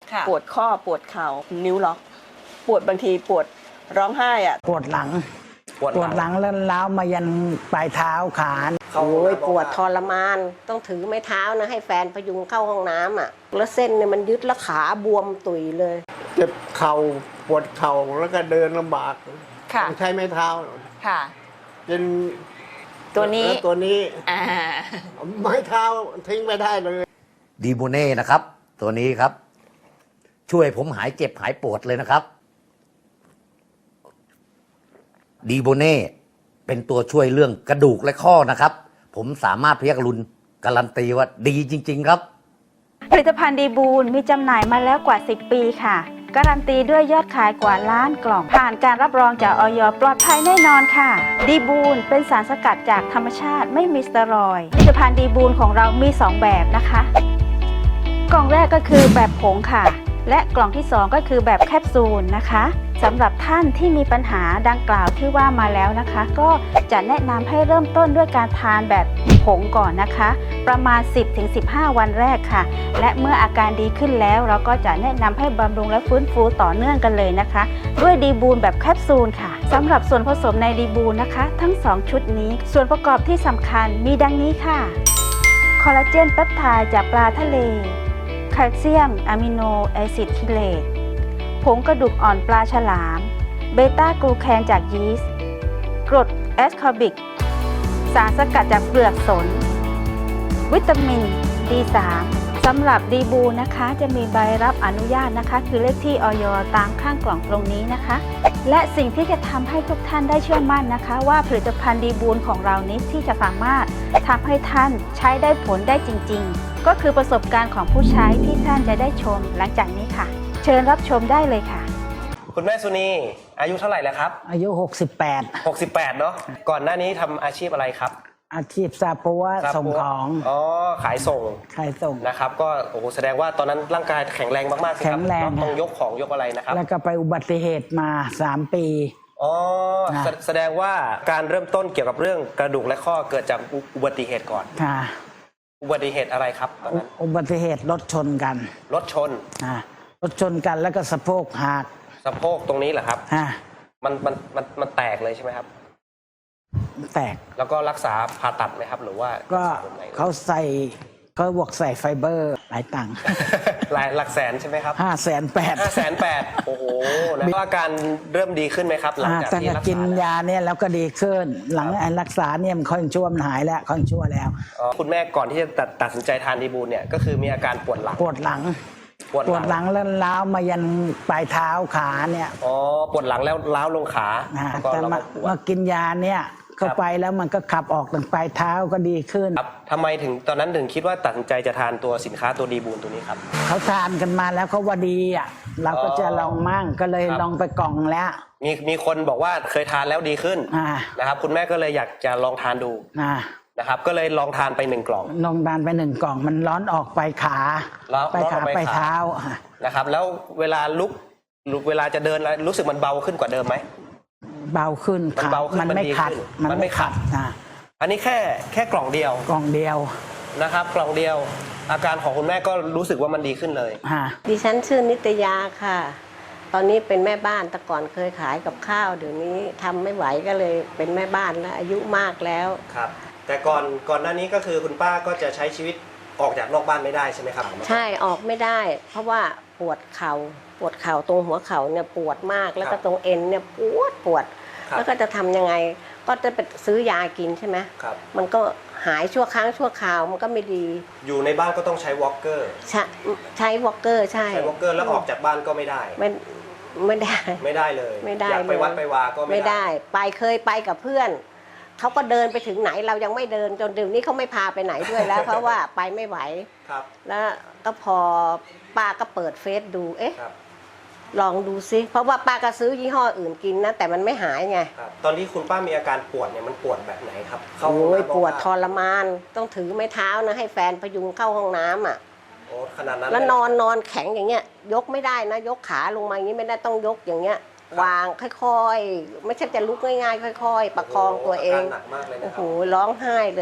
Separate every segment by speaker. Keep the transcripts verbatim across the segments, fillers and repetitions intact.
Speaker 1: ปวดข้อปวดเข่านิ้วล็อกปวดบางทีปวดร้องไห้อ่ะ
Speaker 2: ปวดหลังปวดหลังแล้วล้าวมายันปลายเท้าขา
Speaker 3: โอ้ยปวดทรมานต้องถือไม้เท้านะให้แฟนพยุงเข้าห้องน้ำอ่ะแล้วเส้นเนี่ยมันยึดแล้วขาบวมตุยเลย
Speaker 4: เจ็บเข่าปวดเข่าแล้วก็เดินลำบากต้องใช้ไม้เท้า
Speaker 1: ค่ะ
Speaker 4: เป็น
Speaker 1: ตัวนี้
Speaker 4: ตัวนี้ไม้เท้าทิ้งไม่ได้เลย
Speaker 5: ดีโบเน่นะครับตัวนี้ครับช่วยผมหายเจ็บหายปวดเลยนะครับดีโบเน่เป็นตัวช่วยเรื่องกระดูกและข้อนะครับผมสามารถพยักรุนการันตีว่าดีจริงๆครับ
Speaker 6: ผลิตภัณฑ์ดีบูลมีจำหน่ายมาแล้วกว่าสิบปีค่ะการันตีด้วยยอดขายกว่าล้านกล่องผ่านการรับรองจากอย.ปลอดภัยแน่นอนค่ะดีบูลเป็นสารสกัดจากธรรมชาติไม่มีสเตียรอยด์ผลิตภัณฑ์ดีบูลของเรามีสองแบบนะคะกล่องแรกก็คือแบบผงค่ะและกล่องที่สองก็คือแบบแคปซูลนะคะสำหรับท่านที่มีปัญหาดังกล่าวที่ว่ามาแล้วนะคะก็จะแนะนำให้เริ่มต้นด้วยการทานแบบผงก่อนนะคะประมาณ สิบถึงสิบห้า วันแรกค่ะและเมื่ออาการดีขึ้นแล้วเราก็จะแนะนำให้บำรุงและฟื้นฟูต่อเนื่องกันเลยนะคะด้วยดีบูลแบบแคปซูลค่ะสำหรับส่วนผสมในดีบูลนะคะทั้งสองชุดนี้ส่วนประกอบที่สำคัญมีดังนี้ค่ะคอลลาเจนเปปไทด์จากปลาทะเลแคลเซียมอะมิโนแอซิดคิเลตผงกระดูกอ่อนปลาฉลามเบต้ากลูแคนจากยีสต์กรดแอสคอบิกสารสกัดจากเปลือกสนวิตามิน ดี สาม สำหรับดีบูนะคะจะมีใบรับอนุญาตนะคะคือเลขที่อย.ตามข้างกล่องตรงนี้นะคะและสิ่งที่จะทำให้ทุกท่านได้เชื่อมั่นนะคะว่าผลิตภัณฑ์ดีบูลของเรานี้ที่จะสามารถทำให้ท่านใช้ได้ผลได้จริงๆก็คือประสบการณ์ของผู้ใช้ที่ท่านจะได้ชมหลังจากนี้ค่ะเชิญรับชมได้เลยค่ะ
Speaker 3: คุณแม่สุนีอายุเท่าไหร่แล้วครับ
Speaker 2: อายุหกสิบแปด
Speaker 3: หกสิบแปดเนาะก่อนหน้านี้ทำอาชีพอะไรครับ
Speaker 2: อาชีพซาปัวส่งของ
Speaker 3: อ๋อขายส่ง
Speaker 2: ขายส่ง
Speaker 3: นะครับก็โอ้โหแสดงว่าตอนนั้นร่างกายแข็งแรงมากๆสิครับ
Speaker 2: แข็งแรง
Speaker 3: ต้องยกของยกอะไรนะครับ
Speaker 2: แล้วก็ไปอุบัติเหตุมาสามปี
Speaker 3: อ๋อแสดงว่าการเริ่มต้นเกี่ยวกับเรื่องกระดูกและข้อเกิดจากอุบัติเหตุก่อน
Speaker 2: ค่ะ
Speaker 3: อุบัติเหตุอะไรครับตอนนั้น
Speaker 2: อุบัติเหตุรถชนกัน
Speaker 3: รถชน
Speaker 2: อ่ารถชนกันแล้วก็สะโพกหัก
Speaker 3: สะโพกตรงนี้เหรอครับ
Speaker 2: ฮะ
Speaker 3: มันมันมันมันแตกเลยใช่ไหมครับ
Speaker 2: แตก
Speaker 3: แล้วก็รักษาผ่าตัดไหมครับหรือว่า
Speaker 2: ก็เขาใส่เขาบวกใส่ไฟเบอร์หลายตังค์
Speaker 3: หลายหลักแสนใช่ไหมครับ
Speaker 2: ห้าแสนแปด
Speaker 3: ห้าแสนแปดโอ้โหแล้วอาการเริ่มดีขึ้นไหมครับหลังจากที่รักษา
Speaker 2: กินยาเนี่ยแล้วก็ดีขึ้นหลังรักษาเนี่ยมันค่อยชั่วมันหายแล้วค่อยชั่วแล้ว
Speaker 3: คุณแม่ก่อนที่จะตัดตัดสินใจทานดีบูลเนี่ยก็คือมีอาการปวดหลัง
Speaker 2: ปวดหลังปวดหลังแล้วล้าวมายันปลายเท้าขาเนี่ย
Speaker 3: อ๋อปวดหลังแล้วล้าวลงขา
Speaker 2: แต่มากินยาเนี่ยเข้าไปแล้วมันก็ขับออกถึงปลายเท้าก็ดีขึ้น
Speaker 3: ครับทำไมถึงตอนนั้นถึงคิดว่าตัดสินใจจะทานตัวสินค้าตัวดีบูลตัวนี้ครับ
Speaker 2: เขาทานกันมาแล้วเขาว่าดีอ่ะเราก็จะลองมั่งก็เลยลองไปกล่องแล้ว
Speaker 3: มีมีคนบอกว่าเคยทานแล้วดีขึ้นนะครับคุณแม่ก็เลยอยากจะลองทานดูนะครับก็เลยลองทานไปหนึ่งกล่อง
Speaker 2: ลองทานไปหนึ่งกล่องมันร้อนออกไปขาไปขาไปเท้า
Speaker 3: นะครับแล้วเวลาลุกลุกเวลาจะเดินรู้สึกมันเบาขึ้นกว่าเดิมไหม
Speaker 2: เบาขึ้น
Speaker 3: มันเบาขึ้น
Speaker 2: มันไม่ขัด
Speaker 3: มันไม่ขัด
Speaker 2: นะ
Speaker 3: อันนี้แค่แค่กล่องเดียว
Speaker 2: กล่องเดียว
Speaker 3: นะครับกล่องเดียวอาการของคุณแม่ก็รู้สึกว่ามันดีขึ้นเลย
Speaker 7: ดิฉันชื่อนิตยาค่ะตอนนี้เป็นแม่บ้านแต่ก่อนเคยขายกับข้าวเดี๋ยวนี้ทำไม่ไหวก็เลยเป็นแม่บ้านแล้วอายุมากแล้ว
Speaker 3: ครับแต่ก่อนก่อนหน้านี้ก็คือคุณป้าก็จะใช้ชีวิตออกจากนอกบ้านไม่ได้ใช่ไหมครับ
Speaker 7: ใช่ออกไม่ได้เพราะว่าปวดเข่าปวดเข่าตรงหัวเข่าเนี่ยปวดมากแล้วก็ตรงเอ็นเนี่ยปวดปวดแล้วก็จะทำยังไงก็จะไปซื้อยากินใช่ไหม
Speaker 3: ครับ
Speaker 7: มันก็หายชั่วครั้งชั่วคราวมันก็ไม่ดี
Speaker 3: อยู่ในบ้านก็ต้องใช้วอล์กเกอร์
Speaker 7: ใช้ใช้วอล์กเกอร์ใช่
Speaker 3: ใช้วอล์กเกอร์แล้วออกจากบ้านก็ไม่ได้
Speaker 7: ไม่ไม่ได้
Speaker 3: ไม่ได้เลย
Speaker 7: ไม่ได้
Speaker 3: อยากไปวัดไปวาก็
Speaker 7: ไม่ได้ไปเคยไปกับเพื่อนเขาก็เดินไปถึงไหนเรายังไม่เดินจนเดี๋ยวนี้เขาไม่พาไปไหนด้วยแล้ว เพราะว่าไปไม่ไหว
Speaker 3: ครับ
Speaker 7: แล้วก็พอป้าก็เปิดเฟซดูเอ๊ะลองดูซิเพราะว่าป้าก็ซื้อยี่ห้ออื่นกินนะแต่มันไม่หายไง
Speaker 3: ตอนที่คุณป้ามีอาการปวดเนี่ยมันปวดแบบไหนครับ
Speaker 7: โอ้ยปวดทรมานต้องถือไม้เท้านะให้แฟนพยุงเข้าห้องน้ำอ่ะ
Speaker 3: โอ้ขนาดนั้น
Speaker 7: แล้วนอนนอนแข็งอย่างเงี้ยยกไม่ได้นะยกขาลงมาอย่างนี้ไม่ได้ต้องยกอย่างเงี้ยวางค่อยๆไม่ใช่จะลุกง่ายๆค่อยๆประคองตัวเอง
Speaker 3: หนักมากเลยนะ
Speaker 7: โอ้โหร้องไห้เลยอ่ะ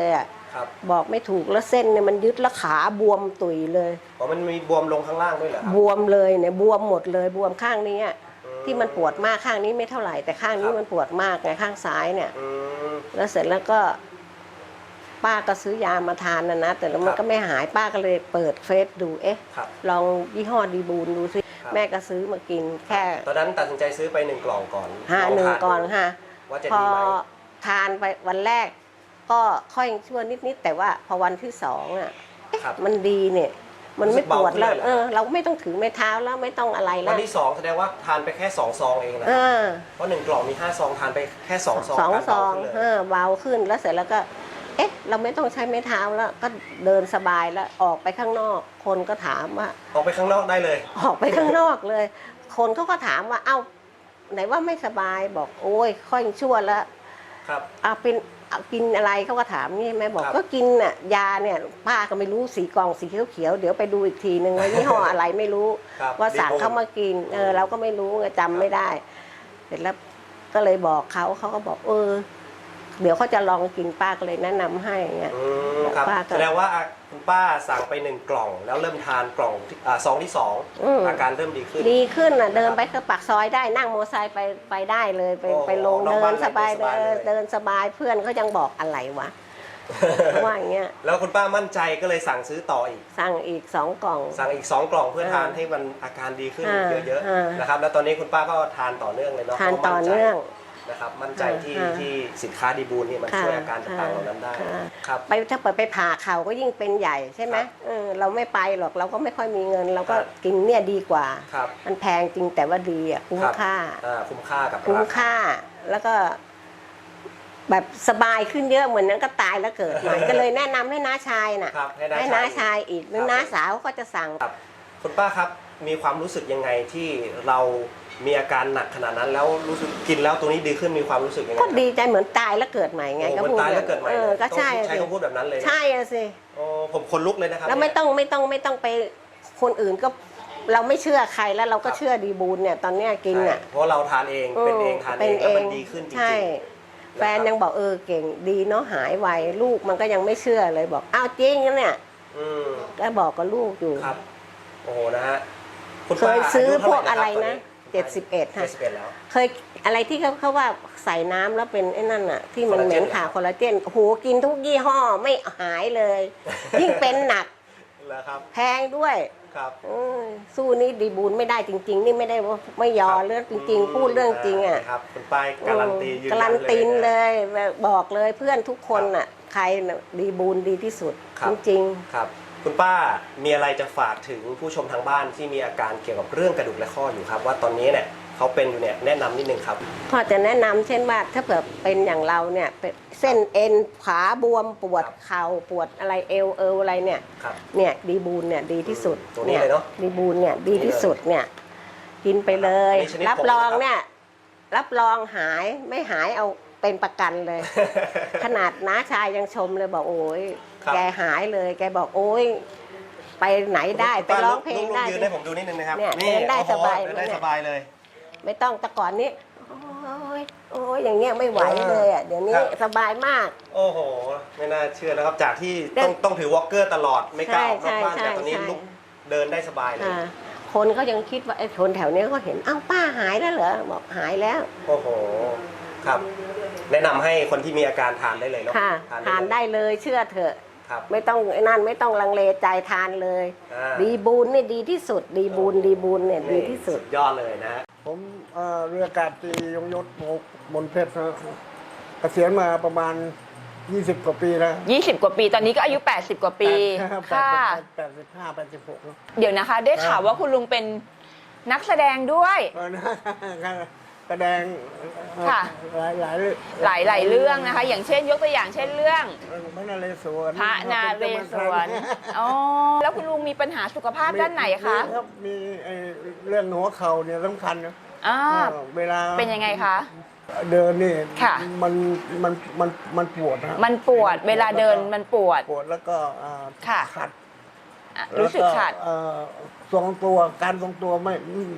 Speaker 4: ครับ
Speaker 3: บอกไม่ถูกแล้วเส้นเนี่ยมันยึดแล้วขาบวมตุยเลย
Speaker 4: อ๋อมันมีบวมลงข้างล่างด้วยเหรอครับ
Speaker 3: บวมเลยเนี่ยบวมหมดเลยบวมข้างนี้อะที่มันปวดมากข้างนี้ไม่เท่าไหร่แต่ข้างนี้มันปวดมากไงข้างซ้ายเนี่ย
Speaker 4: อืม
Speaker 3: แล้วเสร็จแล้วก็ป้าก็ซื้อยามาทานนะนะแต่แล้วมัน
Speaker 4: ครับ
Speaker 3: ก็ไม่หายป้าก็เลยเปิดเฟซดูเอ๊ะ
Speaker 4: ครับ
Speaker 3: ลองยี่ห้อดีบูนดูสิ
Speaker 4: ครับ
Speaker 3: แม่ก็ซื้อมากินแค่
Speaker 4: ตอนนั้นตัดสินใจซื้อไปหนึ่งกล่องก่อน
Speaker 3: ห้า
Speaker 4: ลท
Speaker 3: หนึ่งก่อนค่ะ
Speaker 4: ว่าจะ
Speaker 3: พอ
Speaker 4: ดีไหม
Speaker 3: ทานไปวันแรก ก็ค่อยชั่วนิดๆแต่ว่าพอวันที่สองอ่ะ
Speaker 4: ครับ
Speaker 3: มันดีเนี่ย มันไม่ปวดแล้ว
Speaker 4: รู้สึกเบาขึ้นเลยเหรอ
Speaker 3: เออ เราไม่ต้องถือไม้เท้าแล้วไม่ต้องอะไรแล้
Speaker 4: วั
Speaker 3: วน
Speaker 4: ที่สองแสดงว่าทานไปแค่สองซองเองนะ
Speaker 3: เออ
Speaker 4: เพราะหนึ่งกล่องมีห้าซองทานไปแค่สองซอง
Speaker 3: สอง
Speaker 4: การ
Speaker 3: ซ
Speaker 4: เบา
Speaker 3: อง
Speaker 4: ขึ้นเลย
Speaker 3: เออเบาขึ้นแล้วเสร็จแล้วก็ เอ๊ะ เราไม่ต้องใช้ไม้เท้าแล้ว ก็เดินสบายแล้วออกไปข้างนอก คนก็ถามว่า
Speaker 4: ออกไปข้างนอกได้เลย
Speaker 3: ออกไปข้างนอกเลย คนเขาก็ถามว่าเอ้าไหนว่าไม่สบายบอกโอ้ยค่อยชั่วแล้ว
Speaker 4: ครับ
Speaker 3: เอาเป็นเอากินอะไรเขาก็ถามนี่แม่บอก
Speaker 4: ครับ
Speaker 3: ก็กินน่ะยาเนี่ยป้าก็ไม่รู้สีกล่องสีเขียวๆเดี๋ยวไปดูอีกทีนึงว่ายี่ห้ออะไรไม่รู้
Speaker 4: ครับ
Speaker 3: ว่าสั่ง
Speaker 4: ดีโ
Speaker 3: เขามากินเออเราก็ไม่รู้ไงจำไม่ได้ เสร็จแล้วก็เลยบอกเขาเขาก็บอกเออ เดี๋ยวเขาจะลองกินป้าก็เลยแนะนำให้เงี้ย
Speaker 4: อืมครับ
Speaker 3: ป้าก็
Speaker 4: แสดงว่าคุณป้าสั่งไปหนึ่งกล่อง แล้วเริ่มทานกล่องที่อ่าซองที่สอง
Speaker 3: อืม
Speaker 4: อาการเริ่มดีขึ้น
Speaker 3: ดีขึ้นน่ะเดินไปก็ปากซอยได้นั่งมอเตอร์ไซค์ไปไปได้เลยไป
Speaker 4: โอ้
Speaker 3: ไปลง
Speaker 4: นอก
Speaker 3: เดิ
Speaker 4: บ้าน
Speaker 3: นสบาย
Speaker 4: เดินสบาย
Speaker 3: เดิน
Speaker 4: เลย
Speaker 3: เดินสบายเพื่อนเขายังบอกอะไรวะ เขาว่าอย่างเงี้ย
Speaker 4: แล้วคุณป้ามั่นใจก็เลยสั่งซื้อต่ออีก
Speaker 3: สั่งอีกสองกล่อง
Speaker 4: สั่งอีกสองกล่องเพื่อ
Speaker 3: อ่า
Speaker 4: ทานให้มันอาการดีขึ้น
Speaker 3: อ่า
Speaker 4: เยอะ
Speaker 3: อ่า
Speaker 4: ๆนะครับแล้วตอนนี้คุณป้าก็ทานต่อเนื่องเลยเนาะ
Speaker 3: ทาน
Speaker 4: พระ
Speaker 3: ต่อ
Speaker 4: มั่ใจ
Speaker 3: เนื่อง
Speaker 4: นะครับมั่นใจที่
Speaker 3: อ่า
Speaker 4: ที่สินค้าดีบูลนี่มัน
Speaker 3: ค่ะ
Speaker 4: ช่วยอาการต่างๆเหล่านั้นได้
Speaker 3: ค่ะ
Speaker 4: ครับ
Speaker 3: ไปถ้าเปิดไปผ่าเข่าก็ยิ่งเป็นใหญ่ใช่ไหม
Speaker 4: ครับ
Speaker 3: เออเราไม่ไปหรอกเราก็ไม่ค่อยมีเงิน เราก็
Speaker 4: ครับ
Speaker 3: กินเนี่ยดีกว่า
Speaker 4: ครับ
Speaker 3: มันแพงจริงแต่ว่าดีอ่ะคุ้ม
Speaker 4: รับ
Speaker 3: ค่า
Speaker 4: อ่าคุ้มค่ากับ
Speaker 3: คุ้ม
Speaker 4: รา
Speaker 3: ค่าแล้วก็ แบบสบายขึ้นเยอะเหมือนนั้นก็ตายแล้วเกิดใหม่ ก็เลยแนะนำให้น้าชายน่ะ
Speaker 4: ครับให้น้า
Speaker 3: ให้น้า
Speaker 4: ชา
Speaker 3: ชาย ยอีกหรือ
Speaker 4: ครับ
Speaker 3: น้าสาวก็จะสั่ง
Speaker 4: ครับคุณป้าครับมีความรู้สึกยังไงที่เรามีอาการหนักขนาดนั้น แล้วรู้สึกกินแล้วตัวนี้ดีขึ้นมีความรู้สึกยังไง
Speaker 3: ก็ดีใจเหมือนตายแล้วเกิดใหม่ไง
Speaker 4: โอ้
Speaker 3: ก็
Speaker 4: มัน
Speaker 3: พูด
Speaker 4: ตายแล้วเกิดใหม่
Speaker 3: เออ
Speaker 4: เลย
Speaker 3: ก็ใช่
Speaker 4: ต้องใช้
Speaker 3: สิ
Speaker 4: คำพูดแบบนั้นเลยนะ
Speaker 3: ใช่อะสิ
Speaker 4: โอ้ผมคนลุกเลยนะครับ
Speaker 3: แล้วไม่
Speaker 4: เนี่ย
Speaker 3: ต้องไม่ต้องไม่ต้องไปคนอื่นก็เราไม่เชื่อใครแล้วเราก็
Speaker 4: ครับ
Speaker 3: เชื่อดีบูลเนี่ยตอนเนี้ยกิน
Speaker 4: ใช่
Speaker 3: อ่ะ
Speaker 4: เพราะเราทานเองเป็นเองทานเองแล้วมันดีขึ้นจริง
Speaker 3: ใช่
Speaker 4: ๆ
Speaker 3: แฟนยังบอกเออเก่งดีเนาะหายไวลูกมันก็ยังไม่เชื่อเลยบอกอ้าวจริงนะเนี่ย
Speaker 4: อืม
Speaker 3: ก็บอกกับลูกอยู่
Speaker 4: ครับโอ้โหนะฮะคุณ
Speaker 3: เค
Speaker 4: ป้าย
Speaker 3: ซื้อ
Speaker 4: ยุ
Speaker 3: พ
Speaker 4: เท่าว ห
Speaker 3: กอะไร
Speaker 4: คบ
Speaker 3: นะ
Speaker 4: ต
Speaker 3: เจ็ดสิบเอ็ด
Speaker 4: เจ็
Speaker 3: ค่ะ
Speaker 4: ดสิบเอ็ดแล้ว
Speaker 3: เคยอะไรที่เขาเขาว่าใส่น้ำแล้วเป็นไอ้นั่นอะที่มัน
Speaker 4: คอลลา
Speaker 3: เห
Speaker 4: เจ
Speaker 3: ม็
Speaker 4: น
Speaker 3: นขาคอลลาเจนโอ้โหกินทุกยี่ห้อไม่หายเลย ยิ่งเป็นหนัก
Speaker 4: แล้วครับ
Speaker 3: แพงด้วย
Speaker 4: ครับ
Speaker 3: เอ้ยสู้นี่ดีบูลไม่ได้จริง ๆ นี่ไม่ได้ว่าไม่ยอเรื่องจริง ๆ พูดเรื่องจริงอ่ะ
Speaker 4: ครับคุณป้ายการันตียืนยัน
Speaker 3: การันตี
Speaker 4: นะ
Speaker 3: เลยบอกเลยเพื่อนทุกคนอ่ะ ใครน่ะดีบูลดีที่สุด
Speaker 4: ครับ
Speaker 3: จริง
Speaker 4: ครับ คุณป้ามีอะไรจะฝากถึงผู้ชมทางบ้านที่มีอาการเกี่ยวกับเรื่องกระดูกและข้ออยู่ครับ ว่าตอนนี้เนี่ยเขาเป็นอยู่เนี่ยแนะนำนิดนึงครับ
Speaker 3: ๆก็จะแนะนำเช่นว่าถ้าเผื่อเป็นอย่างเราเนี่ยเป็นเส้นเอ็นขาบวมปวด
Speaker 4: ครับ
Speaker 3: เข่าปวดอะไรเอวเอวอะไรเนี่ย
Speaker 4: ครับ
Speaker 3: เนี่ยดีบูลเนี่ยดีที่สุด
Speaker 4: ตัวนี้เลยเนอะ
Speaker 3: ดีบูลเนี่ยดีที่สุดเนี่ยกินไปเลย
Speaker 4: มีชนิด
Speaker 3: รับ
Speaker 4: ผง
Speaker 3: รอง
Speaker 4: นะครับ
Speaker 3: เนี่ยรับรองหายไม่หายเอาเป็นประกันเลย ขนาดน้าชายยังชมเลยบอกโอ้ย
Speaker 4: ครับ
Speaker 3: แกหายเลย แกบอกโอ้ยไปไหนได้ไปร้องเพลงได้
Speaker 4: ยืนให้ผมดูนิดนึงนะครับ
Speaker 3: เนี่ยเดินได้
Speaker 4: โอ้โห
Speaker 3: สบาย
Speaker 4: เดินได้
Speaker 3: เนี่ย
Speaker 4: สบายเลย
Speaker 3: ไม่ต้องแต่ก่อนนี้โอ้ยโอ้ยอย่างเงี้ยไม่ไหวเลยอ่ะเดี๋ยวนี้
Speaker 4: ครับ
Speaker 3: สบายมาก
Speaker 4: โอ้โห ไม่น่าเชื่อนะครับ จากที่
Speaker 3: เดิน
Speaker 4: ต้องต้องถือวอล์กเกอร์ตลอดไม่กล้าออกนอกบ้าน
Speaker 3: ใช่
Speaker 4: แต่ตอนนี้
Speaker 3: ใช่
Speaker 4: ลุกเดินได้สบายเลย
Speaker 3: อ่าคนก็ยังคิดว่าไอ้คนแถวเนี้ยก็เห็นอ้าวป้าหายแล้วเหรอบอกหายแล้ว
Speaker 4: โอ้โห ครับ แนะนำให้คนที่มีอาการทานได้เลยเนาะ
Speaker 3: ค่ะทานได้เลยเชื่อเถอะ
Speaker 4: ครับ
Speaker 3: ไม่ต้องไอ้นั่นไม่ต้องลังเลใจทานเลย
Speaker 4: อ่า
Speaker 3: ดีบูนนี่ดีที่สุด ดีบูนดีบูนเนี่ยดีที่สุด
Speaker 4: ยอดเลยนะฮะผมเอ่อเรืออากาศตรียงยศโมกมนเพชรนะเกษียณมาประมาณ ยี่สิบ กว่าปีแล้ว
Speaker 8: ยี่สิบ กว่าปี ตอนนี้ก็อายุ แปดสิบ กว่าปี ค่ะ
Speaker 4: แปดสิบห้า แปดสิบหกแล้ว
Speaker 8: เดี๋ยวนะคะ ได้ข่าวว่าคุณลุงเป็นนักแสดงด้วย
Speaker 4: เออนะแสดงเอ่อ
Speaker 8: ค่ะ
Speaker 4: หลายหลาย
Speaker 8: หลายหลายเรื่องนะคะ อย่างเช่น ยกตัวอย่างเช่นเรื่อง
Speaker 4: พระนาเรศวร
Speaker 8: พระนาเรศวร อ๋อ แล้วคุณลุงมีปัญหาสุขภาพด้านไหนคะ
Speaker 4: มีรับมีไอ้เรื่องหัวเข่าเนี่ยสำคัญนะ
Speaker 8: อ่า
Speaker 4: เออเวลา
Speaker 8: เป็นยังไงคะ
Speaker 4: เดินนี่
Speaker 8: ค่ะ
Speaker 4: มันมันมันมันปวดนะ
Speaker 8: มันปวด เวลาเดินมันปวด
Speaker 4: ปวดแล้วก็อ่า
Speaker 8: ค่ะ
Speaker 4: ขัด
Speaker 8: อ่ะรู้สึกขัด
Speaker 4: แล้วเอ่อทรงตัวการทรงตัวไม่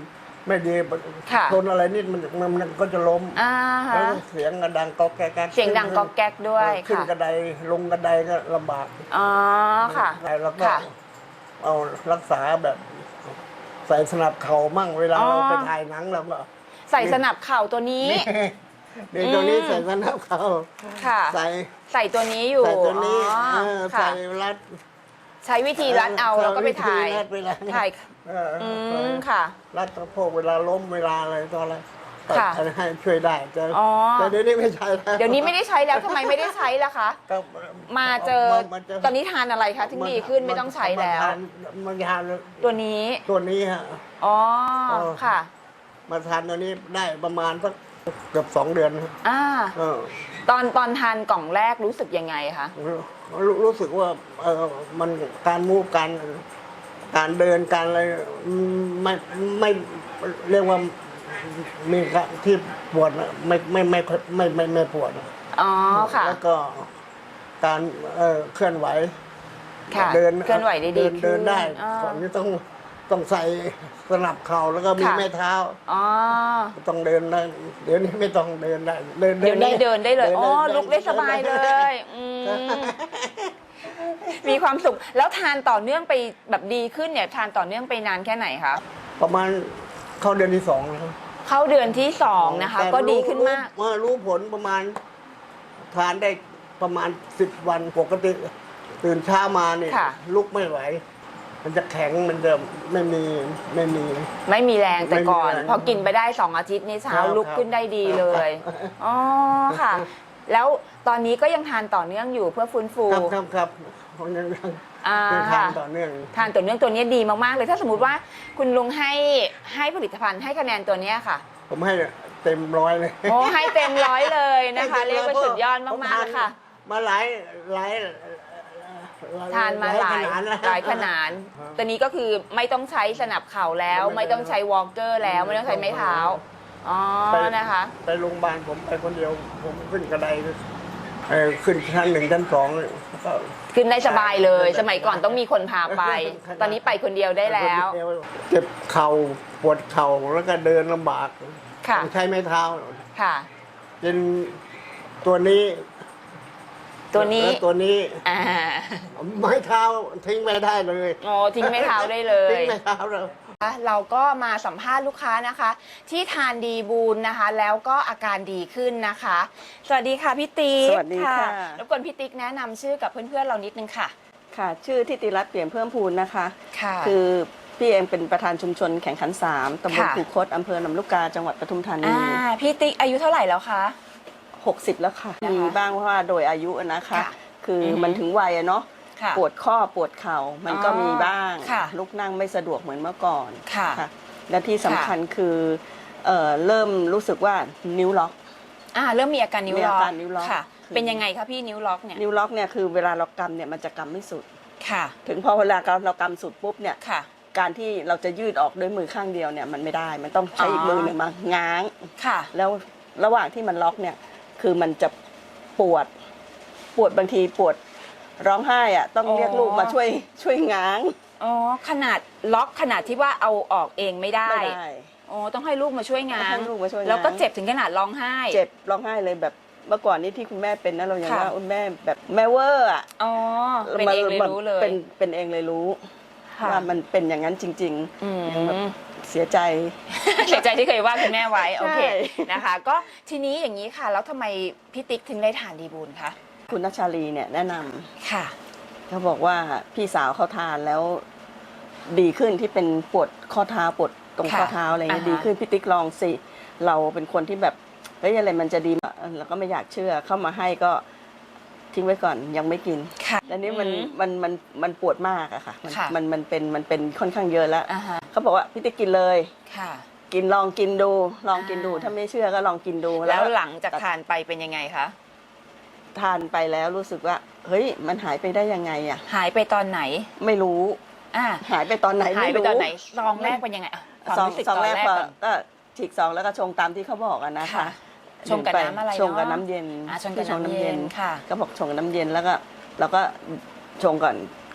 Speaker 9: ไม่ดี
Speaker 8: ค่ะ
Speaker 9: ชนอะไรนิดมันมันมันก็จะล้ม
Speaker 8: อ่าฮะ
Speaker 9: แล้วเสียงกระดังก๊อกแก๊กแก๊ก
Speaker 8: เสียงดังก๊อกแก๊กด้วย
Speaker 9: ขึ้น
Speaker 8: ค่ะ
Speaker 9: กระไดลงกระไดก็ลำบาก
Speaker 8: อ๋อค่ะ
Speaker 9: แล้วก็
Speaker 8: ค่ะ
Speaker 9: เอารักษาแบบ ใส่สนับเข่ามั่งเวลา
Speaker 8: อ๋อ
Speaker 9: เราไปถ่ายหนังเราก็
Speaker 8: ใส่สนับเข่าตัวนี้
Speaker 9: เดี๋ยวตัวนี้
Speaker 8: อืม
Speaker 9: ใส่สนับเข่า
Speaker 8: ค่ะ
Speaker 9: ใส่
Speaker 8: ใส่ตัวนี้อยู่
Speaker 9: ใส่ตัวนี้
Speaker 8: อ๋อ
Speaker 9: เออ
Speaker 8: ค่ะ
Speaker 9: ใส่รัด
Speaker 8: ใช้วิธีรัดเอาแล้วก็ไปถ่าย
Speaker 9: รัดเวลา
Speaker 8: ถ่าย
Speaker 9: เออ
Speaker 8: อื
Speaker 9: ใส่
Speaker 8: มค่ะ
Speaker 9: รัดสะโพกเวลาล้มเวลาอะไรตอนอะไร
Speaker 8: ค่ะ
Speaker 9: ให้ช่วยได้แต่
Speaker 8: อ๋อ
Speaker 9: แต่เดี๋ยวนี้ไม่ใช่แล้ว
Speaker 8: เดี๋ยวนี้ไม่ได้ใช้แล้วทำไมไม่ได้ใช้ล่ะคะ
Speaker 9: ก็
Speaker 8: มาเจอ
Speaker 9: มาเจ
Speaker 8: ตอนนี้ทานอะไรคะถึงดีขึ้นไม่ต้องใช้แล้ว
Speaker 9: มาทานมาทาน
Speaker 8: ตัวนี้
Speaker 9: ตัวนี้ฮะ
Speaker 8: อ๋อ
Speaker 9: เออ
Speaker 8: ค่ะ
Speaker 9: มาทานตัวนี้ได้ประมาณสักเกือบสองเดือนครับ
Speaker 8: อ่า
Speaker 9: เออ
Speaker 8: ตอนตอนทานกล่องแรกรู้สึกยังไงคะ
Speaker 9: รู้รู้สึกว่าเออมันการมูฟการการเดินการอะไรไม่ไม่เรียกว่ามีที่ปวดน่ะไม่ไม่ไม่ไม่ไม่ไม่ปวด
Speaker 8: อ๋อค่ะ
Speaker 9: แล้วก็การเอ่อเคลื่อนไหว
Speaker 8: ค่ะ
Speaker 9: เดิน
Speaker 8: เคลื่อนไหวได้ดี
Speaker 9: เดินเดินได้
Speaker 8: ขึ้นอ่า
Speaker 9: ก่อนนี้ต้องต้องใส่สนับเข่าแล้วก็มี
Speaker 8: ค่ะ
Speaker 9: แม่เท้า
Speaker 8: อ๋อ
Speaker 9: ต้องเดินได้เดี๋ยวนี้ไม่ต้องเดินได้เดิน
Speaker 8: เดี๋ยวนี้เดินได้เลย อ๋อ ลุกได้สบายเลย
Speaker 9: เ
Speaker 8: อืมมีความสุข แล้วทานต่อเนื่องไปแบบดีขึ้นเนี่ย ทานต่อเนื่องไปนานแค่ไหนคะ
Speaker 9: ประมาณเข้าเดือนที่สองแล้ว
Speaker 8: เข้าเดือนที่สองนะคะ
Speaker 9: แต่
Speaker 8: ก็ดีขึ้นมาก
Speaker 9: รู้รู้ผลประมาณทานได้ประมาณสิบวันปกติ ตื่นเช้ามาเนี่ย
Speaker 8: ค่ะ
Speaker 9: ลุกไม่ไหว มันจะแข็งมันจะไม่มีไม่มี
Speaker 8: ไม่มีแรงแต่ก่อน
Speaker 9: ไม่มีแรง
Speaker 8: พอกินไปได้สองอาทิตย์นี่เช้า
Speaker 9: ครับ
Speaker 8: ลุกขึ้นได้ดีเลย
Speaker 9: ครับ
Speaker 8: อ๋อค่ะ แล้วตอนนี้ก็ยังทานต่อเนื่องอยู่เพื่อฟื้นฟู
Speaker 9: ครับครับครับผมยังยัง
Speaker 8: อ่า
Speaker 9: ยังทาน
Speaker 8: ค่ะ
Speaker 9: ต่อเนื่อง
Speaker 8: ทานต่อเนื่องตัวนี้ดีมากๆเลย ถ้าสมมติว่าคุณลุงให้ให้ผลิตภัณฑ์ให้คะแนนตัวเนี้ยค่ะ
Speaker 9: ผมให้เต็มร้อยเลย
Speaker 8: โอ้ให้เต็มร้อยเลยนะคะ
Speaker 9: ให้ต็
Speaker 8: เรียกว่า
Speaker 9: พะ
Speaker 8: สุดยอด
Speaker 9: ผม
Speaker 8: มากๆเลยค่ะ
Speaker 9: มาหลายหลาย
Speaker 8: ทานมาหลาย
Speaker 9: ขนดแล้ว
Speaker 8: หลายขนาดตัวนี้ก็คือไม่ต้องใช้สนับเข่าแล้ว ไม่ต้องใช้วอล์กเกอร์แล้ว ไม่ต้องใช้ไม้เท้า อ๋อ
Speaker 9: ไป
Speaker 8: นะคะ
Speaker 9: ไปโรงพยาบาลผมไปคนเดียว ผมขึ้นกระไดเอ่อขึ้นชั้นหนึ่งชั้นสองก็
Speaker 8: ขึ้นได้สบายเลย
Speaker 9: ได้
Speaker 8: สมัยก่อนต้องมีคนพาไป ตอนนี้ไปคนเดียวได้แล้ว
Speaker 9: เจ็บเข่าปวดเข่าแล้วก็เดินลำบาก
Speaker 8: ค่ะ
Speaker 9: ต้องใช้ไม้เท้า
Speaker 8: ค่ะ
Speaker 9: เป็นตัวนี้
Speaker 8: ตัวนี้
Speaker 9: แล้วตัวนี้
Speaker 8: อ่า
Speaker 9: ไม้เท้าทิ้งไม่ได้เลย
Speaker 8: โอ้ทิ้งไม้เท้าได้เล
Speaker 9: ทิ้
Speaker 8: ย
Speaker 9: งไม้เท้าเลย
Speaker 8: เราก็มาสัมภาษณ์ลูกค้านะคะ ที่ทานดีบูนนะคะ แล้วก็อาการดีขึ้นนะคะ สวัสดีค่ะพี่ติ๊ก
Speaker 1: สวัสดีค่ะ
Speaker 8: รบกวนพี่ติ๊กแนะนำชื่อกับเพื่อนๆเรานิดนึงค่ะ
Speaker 1: ค่ะ ชื่อทิติรัตน์เปลี่ยนเพิ่มพูนนะคะ
Speaker 8: ค่ะ
Speaker 1: คือพี่เองเป็นประธานชุมชนแข่งขันสามตำบล
Speaker 8: ค่ะ
Speaker 1: คูคตอำเภอลำลูกกาจังหวัดปทุมธานี
Speaker 8: อ่าพี่ติ๊กอายุเท่าไหร่แล้วคะ
Speaker 1: หกสิบแล้วค่ะ
Speaker 8: นะคะ
Speaker 1: มีบ้างเพราะว่าโดยอายุนะคะ
Speaker 8: ค่ะ
Speaker 1: คืออ
Speaker 8: อฮึ
Speaker 1: มันถึงวัยอะเนาะ
Speaker 8: ค่ะ
Speaker 1: ปวดข้อปวดเข่ามันก็
Speaker 8: อ๋อ
Speaker 1: มีบ้าง
Speaker 8: ค่ะ
Speaker 1: ลุกนั่งไม่สะดวกเหมือนเมื่อก่อน
Speaker 8: ค่ะ
Speaker 1: และที่สำคัญคือเอ่อเริ่มรู้สึกว่านิ้วล็อก
Speaker 8: อ่าเริ่มมีอาการนิ้ว
Speaker 1: มี
Speaker 8: ล็
Speaker 1: อา
Speaker 8: อก
Speaker 1: การนิ้วล็อก
Speaker 8: ค่ะ
Speaker 1: คือ
Speaker 8: เป็นยังไงคะพี่นิ้วล็อกเนี่ย
Speaker 1: นิ้วล็อกเนี่ยคือเวลาเรากำเนี่ยมันจะกำไม่สุด
Speaker 8: ค่ะ
Speaker 1: ถึงพอเวลาเรากำสุดปุ๊บเนี่ย
Speaker 8: ค่ะ
Speaker 1: การที่เราจะยืดออกด้วยมือข้างเดียวเนี่ยมันไม่ได้ มันต้องใช้อีก
Speaker 8: อ๋อ
Speaker 1: มือหนึ่งมาง้าง
Speaker 8: ค่ะ
Speaker 1: แล้วระหว่างที่มันล็อกเนี่ยคือมันจะปวดปวดบางทีปวดร้องไห้อะต้อง
Speaker 8: อ๋อ
Speaker 1: เรียกลูกมาช่วยช่วยง้าง
Speaker 8: อ๋อขนาดล็อกขนาดที่ว่าเอาออกเองไม่ได้
Speaker 1: ไม่ได้
Speaker 8: อ๋อต้องให้ลูกมาช่วยงา
Speaker 1: ต้อง
Speaker 8: น
Speaker 1: ให้ลูกมาช่วยงาน
Speaker 8: แล้วก็เจ็บถึงขนาดร้องไห้
Speaker 1: เจ็บร้องไห้เลยแบบเมื่อก่อนนี้ที่คุณแม่เป็นนะเรายัง
Speaker 8: ค่ะ
Speaker 1: ว่าอุ๊ยแม่แบบแม่เวอร์อะ
Speaker 8: อ๋อเป็นเองเลยรู้เลย
Speaker 1: เป็นเป็นเองเลยรู้
Speaker 8: ค่ะ
Speaker 1: ว่ามันเป็นอย่างนั้นจริง
Speaker 8: อืม
Speaker 1: ๆยังแบบเสียใจ
Speaker 8: เสียใจที่เคยว่าคุณแม่ไว้โอเค
Speaker 1: ใช่
Speaker 8: นะคะ ก็ทีนี้อย่างนี้ค่ะ แล้วทำไมพี่ติ๊กถึงได้ทานดีบูลคะ
Speaker 1: คุณนัชชาลีเนี่ยแนะนำ
Speaker 8: ค่ะ
Speaker 1: เขาบอกว่าพี่สาวเขาทานแล้วดีขึ้นที่เป็นปวดข้อเท้าปวดตรง
Speaker 8: ค่ะ
Speaker 1: ข้อเท้าอะไรเงี้ย
Speaker 8: อ่าฮะ
Speaker 1: ดีขึ้นพี่ติ๊กลองสิเราเป็นคนที่แบบเฮ้ยอะไรมันจะดีเราก็ไม่อยากเชื่อเข้ามาให้ก็ทิ้งไว้ก่อนยังไม่กิน
Speaker 8: ค่ะ
Speaker 1: แล้วนี่มัน
Speaker 8: อืม
Speaker 1: มันมันมันปวดมากอะค่ะมัน
Speaker 8: ค่ะ
Speaker 1: มันมันเป็นมันเป็นค่อนข้างเยอะแล้ว
Speaker 8: อ่าฮะ
Speaker 1: เขาบอกว่าพี่ติ๊กกินเลย
Speaker 8: ค่ะ
Speaker 1: กินลองกินดู ลองกินดู
Speaker 8: อ่า
Speaker 1: ถ้าไม่เชื่อก็ลองกินดู
Speaker 8: แล้วหลังจากทานไปเป็นยังไงคะ
Speaker 1: ทานไปแล้วรู้สึกว่าเฮ้ยมันหายไปได้ยังไงอะ
Speaker 8: หายไปตอนไหน
Speaker 1: ไม่รู้
Speaker 8: อ่า
Speaker 1: หายไปตอนไหน
Speaker 8: หาย
Speaker 1: ไม่
Speaker 8: ไป
Speaker 1: รู้
Speaker 8: ตอนไหนซองแรกเป็นยังไงอะความ
Speaker 1: ซอง
Speaker 8: รู้สึก
Speaker 1: ซอง
Speaker 8: ตอน
Speaker 1: แรก
Speaker 8: แรก
Speaker 1: ก็
Speaker 8: ก่อน
Speaker 1: ก็ฉีกซองแล้วก็ชงตามที่เขาบอกอะนะคะ
Speaker 8: ค่ะชงกับน้ำอะไรเนอะ
Speaker 1: ชงกับน้ำเย็น
Speaker 8: อ่าชงกับ
Speaker 1: ที่
Speaker 8: น้ำเย็นค่ะ
Speaker 1: ก็บอกชงกับน้ำเย็นแล้วก็เราก็ชงก่อน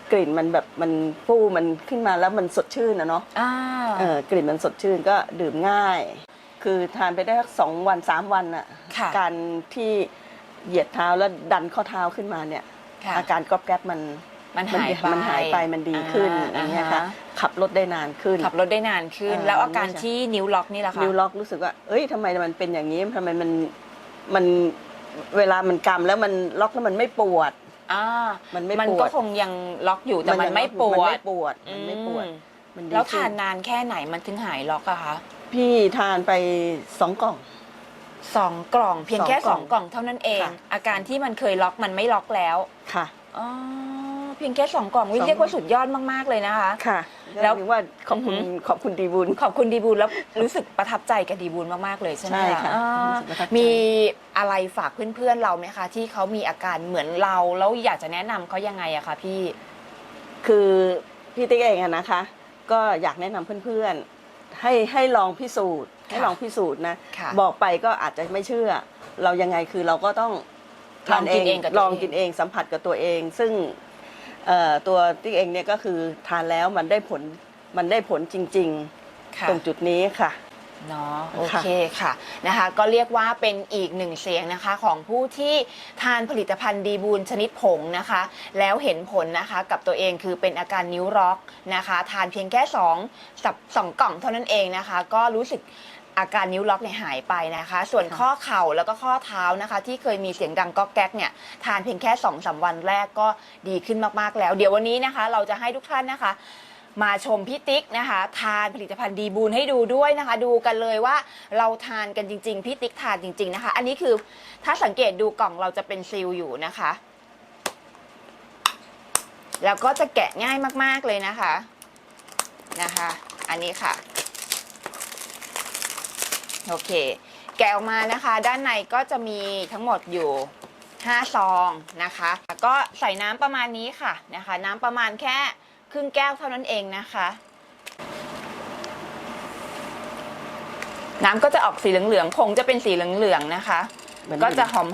Speaker 1: กลิ่นมันแบบมันฟูมันขึ้นมาแล้วมันสดชื่นนะเนาะ
Speaker 8: อ่า
Speaker 1: เออกลิ่นมันสดชื่นก็ดื่มง่าย คือทานไปได้สักสองวันสามวันอะ
Speaker 8: ค่ะ
Speaker 1: การที่เหยียดเท้าแล้วดันข้อเท้าขึ้นมาเนี่ย
Speaker 8: ค่ะ
Speaker 1: อาการกรอบแกรบมัน
Speaker 8: มันหายไป
Speaker 1: มันหายไปมันดีขึ้น
Speaker 8: อ่า
Speaker 1: อย่างเงี้ยค่ะ
Speaker 8: อ่าฮะ
Speaker 1: ขับรถได้นานขึ้น
Speaker 8: ขับรถได้นานขึ้น
Speaker 1: เออ
Speaker 8: แล้วอาการ
Speaker 1: ไม่ใช่
Speaker 8: ที่นิ้วล็อกนี่แหละคะ
Speaker 1: นิ้วล็อกรู้สึกว่า เอ้ยทำไมมันเป็นอย่างนี้ทำไมมันมันเวลามันกำแล้วมันล็อกแล้วมันไม่ปวด
Speaker 8: อ่า
Speaker 1: มันไม่
Speaker 8: มัน
Speaker 1: ปว
Speaker 8: ก็
Speaker 1: ด
Speaker 8: คงยังล็อกอยู่แต่มันไม่ปว
Speaker 1: มัน
Speaker 8: ด
Speaker 1: ไม่ปวดมันไม่ปวด
Speaker 8: อืม
Speaker 1: มันดี
Speaker 8: แล้ว
Speaker 1: ขึ้
Speaker 8: ทานนานแค่ไหนมันถึงหายล็อกอะคะ
Speaker 1: พี่ทานไปสองกล่อง
Speaker 8: สองกล่องเพียงแค่
Speaker 1: ส
Speaker 8: ส
Speaker 1: อ
Speaker 8: อง ง
Speaker 1: ก
Speaker 8: ก
Speaker 1: ล่
Speaker 8: ล่
Speaker 1: อ
Speaker 8: อง งเท่านั้นเอง
Speaker 1: ค่ะ
Speaker 8: อาการที่มันเคยล็อกมันไม่ล็อกแล้ว
Speaker 1: ค่ะ
Speaker 8: อ๋อเพียงแค่สองกล่องวิ
Speaker 1: สอง
Speaker 8: เรียกว่าสุดยอดมากๆเลยนะคะ
Speaker 1: ค่ะ
Speaker 8: แล้
Speaker 1: แล้ว วว่าขอบคุณ
Speaker 8: อือหือ
Speaker 1: ขอบคุณดีบุญ
Speaker 8: ขอบคุณดีบูลแล้วรู้สึกประทับใจกับดีบูลมากๆเลยใช่ไหม
Speaker 1: ใช่ค่ะ
Speaker 8: อ่า
Speaker 1: รู้สึกประทับใจ
Speaker 8: มีอะไรฝากเพื่อนๆเราไหมคะ ที่เขามีอาการเหมือนเราแล้วอยากจะแนะนำเขายังไงอะคะพี่
Speaker 1: คือพี่ติ๊กเองอะนะคะ ก็อยากแนะนำเพื่อนๆ ให้ให้ลองพิสูจน์ ให้ลองพิสูจน์นะ
Speaker 8: ค่ะ
Speaker 1: บอกไปก็อาจจะไม่เชื่อ เรายังไงคือเราก็ต้อง
Speaker 8: ลองกินเองกับตัวเอง
Speaker 1: ลองกินเองสัมผัสกับตัวเอง ซึ่งเอ่อตัวติ๊กเองเนี่ยก็คือทานแล้วมันได้ผลมันได้ผลจริง
Speaker 8: ค่ะ
Speaker 1: ๆ ตรงจุดนี้ค่ะ
Speaker 8: เนาะโอ
Speaker 1: ค่ะ
Speaker 8: เคค่ะนะคะ ก็เรียกว่าเป็นอีกหนึ่งเสียงนะคะของผู้ที่ทานผลิตภัณฑ์ดีบูลชนิดผงนะคะ แล้วเห็นผลนะคะกับตัวเองคือเป็นอาการนิ้วล็อกนะคะ ทานเพียงแค่สองสับสองกล่องเท่านั้นเองนะคะ ก็รู้สึกอาการนิ้วล็อกเนี่ยหายไปนะคะ ส่วนข้อเข่าแล้วก็ข้อเท้านะคะ ที่เคยมีเสียงดังก๊อกแก๊กเนี่ยทานเพียงแค่สองสามวันแรกก็ดีขึ้นมากๆแล้ว เดี๋ยววันนี้นะคะ เราจะให้ทุกท่านนะคะ มาชมพี่ติ๊กนะคะทานผลิตภัณฑ์ดีบูลให้ดูด้วยนะคะ ดูกันเลยว่าเราทานกันจริงๆพี่ติ๊กทานจริงๆนะคะ อันนี้คือถ้าสังเกตดูกล่องเราจะเป็นซีลอยู่นะคะ แล้วก็จะแกะง่ายมากๆเลยนะคะนะคะ อันนี้ค่ะโอเคแกะออกมานะคะ ด้านในก็จะมีทั้งหมดอยู่ห้าซองนะคะก็ใส่น้ำประมาณนี้ค่ะนะคะ น้ำประมาณแค่ครึ่งแก้วเท่านั้นเองนะคะ น้ำก็จะออกสีเหลืองๆผงจะเป็นสีเหลืองๆนะคะ
Speaker 1: เหมือน
Speaker 8: ก็จะหอม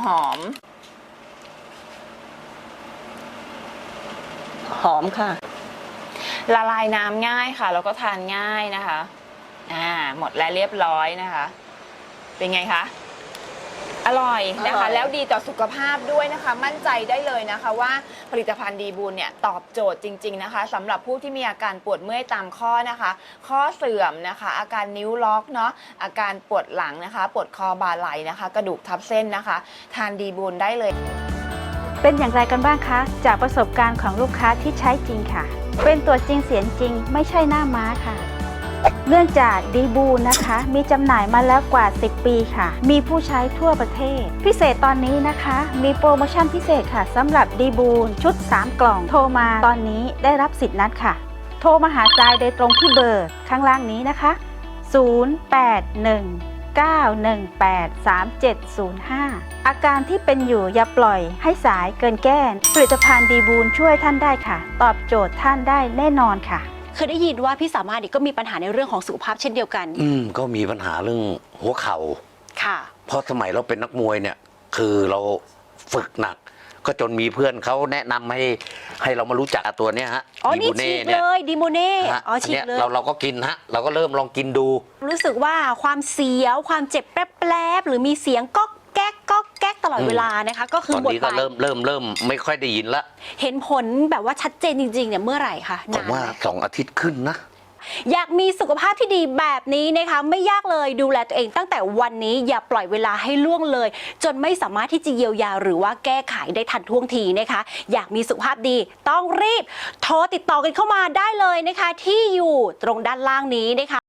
Speaker 1: หอมค่ะ
Speaker 8: ๆละลายน้ำง่ายค่ะแล้วก็ทานง่ายนะคะอ่าหมดแล้วเรียบร้อยนะคะ เป็นไงคะอร่อยนะ
Speaker 1: อร่
Speaker 8: คะ
Speaker 1: อย
Speaker 8: แล้วดีต่อสุขภาพด้วยนะคะ มั่นใจได้เลยนะคะว่าผลิตภัณฑ์ดีบูลเนี่ยตอบโจทย์จริงๆนะคะสำหรับผู้ที่มีอาการปวดเมื่อยตามข้อนะคะ ข้อเสื่อมนะคะ อาการนิ้วล็อกเนาะอาการปวดหลังนะคะ ปวดคอบ่าไหล่นะคะ กระดูกทับเส้นนะคะ ทานดีบูลได้เลย
Speaker 6: เป็นอย่างไรกันบ้างคะ จากประสบการณ์ของลูกค้าที่ใช้จริงค่ะ เป็นตัวจริงเสียงจริงไม่ใช่หน้าม้าค่ะ เนื่องจากดีบูลนะคะ มีจำหน่ายมาแล้วกว่าสิบปีค่ะ มีผู้ใช้ทั่วประเทศ พิเศษตอนนี้นะคะ มีโปรโมชั่นพิเศษค่ะสำหรับดีบูลชุดสามกล่อง โทรมาตอนนี้ได้รับสิทธิ์นัดค่ะ โทรมาหาทรายโดยตรงที่เบอร์ข้างล่างนี้นะคะ ศูนย์ แปด หนึ่ง เก้า หนึ่ง แปด สาม เจ็ด ศูนย์ ห้า อาการที่เป็นอยู่อย่าปล่อยให้สายเกินแก้ผลิตภัณฑ์ดีบูลช่วยท่านได้ค่ะ ตอบโจทย์ท่านได้แน่นอนค่ะ
Speaker 10: เคยได้ยินว่าพี่สามารถก็มีปัญหาในเรื่องของสุขภาพเช่นเดียวกัน
Speaker 5: อืมก็มีปัญหาเรื่องหัวเข่า
Speaker 10: ค่ะ
Speaker 5: เพราะสมัยเราเป็นนักมวยเนี่ย คือเราฝึกหนัก ก็จนมีเพื่อนเขาแนะนำให้ให้เรามารู้จักตัวเนี้ยฮะ
Speaker 10: อ๋อ นี่
Speaker 5: บู
Speaker 10: ฉีก
Speaker 5: นี่
Speaker 10: เลย ดีโมเน่
Speaker 5: ฮะ
Speaker 10: อ๋อ ฉีก
Speaker 5: นี่
Speaker 10: เลย
Speaker 5: เราเราก็กินฮะ เราก็เริ่มลองกินดู
Speaker 10: รู้สึกว่าความเสียว ความเจ็บแป๊บๆหรือมีเสียงก๊อกแก๊กก๊อกแก๊กตลอด
Speaker 5: อืม
Speaker 10: เวลานะคะ ก็คือ
Speaker 5: ตอน
Speaker 10: หมด
Speaker 5: นี้
Speaker 10: ไป
Speaker 5: ก็เริ่มเริ่มเริ่มไม่ค่อยได้ยินละ
Speaker 10: เห็นผลแบบว่าชัดเจนจริงๆเนี่ยเมื่อไหร่คะ
Speaker 5: ผม
Speaker 10: นาน
Speaker 5: ว่า
Speaker 10: ไหม
Speaker 5: สองอาทิตย์ขึ้นนะ
Speaker 10: อยากมีสุขภาพที่ดีแบบนี้นะคะ ไม่ยากเลยดูแลตัวเองตั้งแต่วันนี้อย่าปล่อยเวลาให้ล่วงเลย จนไม่สามารถที่จะเยียวยาหรือว่าแก้ไขได้ทันท่วงทีนะคะ อยากมีสุขภาพดีต้องรีบโทรติดต่อกันเข้ามาได้เลยนะคะ ที่อยู่ตรงด้านล่างนี้นะคะ